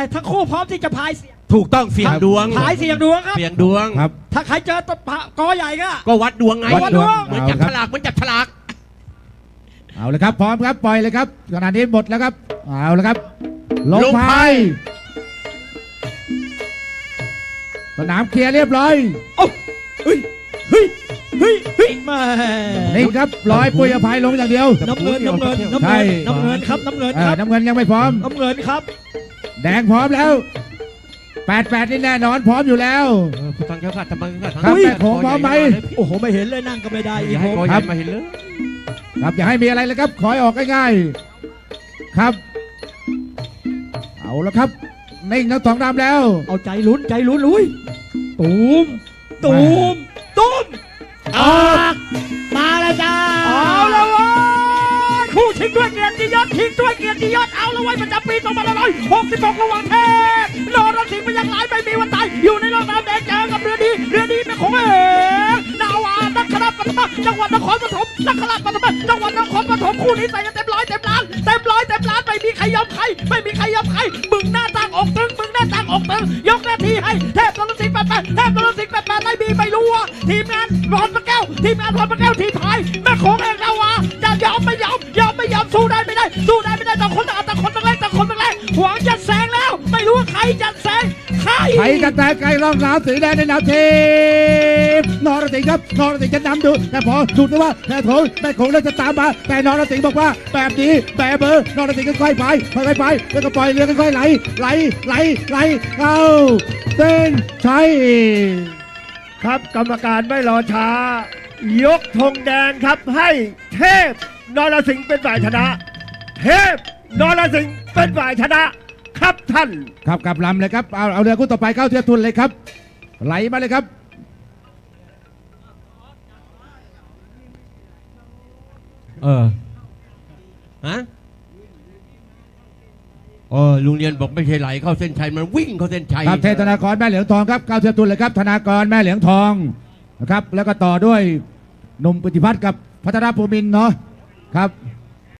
ทั้งคู่พร้อมที่จะพายเสียงถูกต้องเสี่ยงดวงพายเสียงดวงครับเสี่ยงดวงครับถ้าใครเจอตะกอใหญ่ก็ก็วัดดวงไงวัดดวงเหมือนจับฉลากเหมือนจับฉลากเอาเลยครับพร้อมครับปล่อยเลยครับขณะนี้หมดแล้วครับเอาเลยครับลงพายสนามเคลียร์เรียบร้อยโอ้เฮ้ยเฮ้ยเฮ้ยเฮ้ยมานี่ครับร้อยปุยอภัยลงอย่างเดียวน้ำเงินน้ำเงินน้ำใช่เงินน้ำเงินครับน้ำเงินเอคอรับน้ำเงินยังไม่พร้อมน้ำเงินครับแดงพร้อมแล้ว88นี่แน่นอนพร้อมอยู่แล้วผู้ทางแก้วขาดทำไมขาดครับแม่โขงพร้อมไหมโอ้โหไม่เห็นเลยนั่งก็ไม่ได้อีอีกกผมคครัรับ บมาเห็นเลยครับอย่าให้มีอะไรเลยครับขอให้ออกง่ายๆครับ เอาละครับนิ่งทั้งสองดำแล้วเอาใจลุ้นใจลุ้นลุยตูมตูมตูมออกมาแล้วจ้าเอาละเว้ยคู่ชิงด้วยเกียรติยศชิงด้วยเกียรติยศเอาละเว้ยประจำปี2566ระหว่างเทพนรสิงห์พยัคฆ์หลายไม่มีวันตายอยู่ในโลกน้ำแดงเจอกับเรือดีเป็นของเอกนาวานักขราชปฐมจังหวัดนครปฐมนักขราชปฐมจังหวัดนครปฐมคู่นี้ใส่กันเต็มร้อยเต็มล้านเต็มร้อยเต็มล้านไม่มีใครยอมใครไม่มีใครยอมใครมึงหน้าต่างอกตึงมึงหน้าต่างอกตึงยกหน้าที่ให้เทพนรสิงห์88เทพนรสิงห์88ไม่มีไม่รู้ว่าทีมงานพรพระแก้วทีมงานพรพระแก้วทีมพายแม่โขงเอกนาวาจะยอมไม่ยอมสู้ได้ไม่ได้ต่างคนต่างแรกหวังจะแซงแล้วไม่รู้ว่าใครจะแซงใครใครจะแตกไกลรองเท้าสีแดงในนามทีมนรสิงห์ครับนรสิงห์จะนำดูแต่พอสุดที่ว่าแต่โถแม่โขงเริ่มจะตามมาแต่นรสิงห์บอกว่าแบบนี้แบบเบอร์นรสิงห์ค่อยๆไปแล้วก็ปล่อยเรือค่อยๆไหลเข้าเส้นชัยครับกรรมการไม่รอช้า ยกธงแดงครับให้เทพนรสิงห์เป็นฝ่ายชนะ เทพนรสิงห์เป็นฝ่ายชนะครับท่านครับกลับลำเลยครับเอาเรือคู่ต่อไปเข้าเทียบทุนเลยครับไหลมาเลยครับฮะลุงเรียนบอกไม่ใช่ไหลเข้าเส้นชัยมันวิ่งเข้าเส้นชัยครับเทพธนากรแม่เหลืองทองครับเข้าเทียบทุนเลยครับธนากรแม่เหลืองทองนะครับแล้วก็ต่อด้วยหนุ่มปฏิพัฒน์กับพัฒนาภูมินทร์เนาะครับ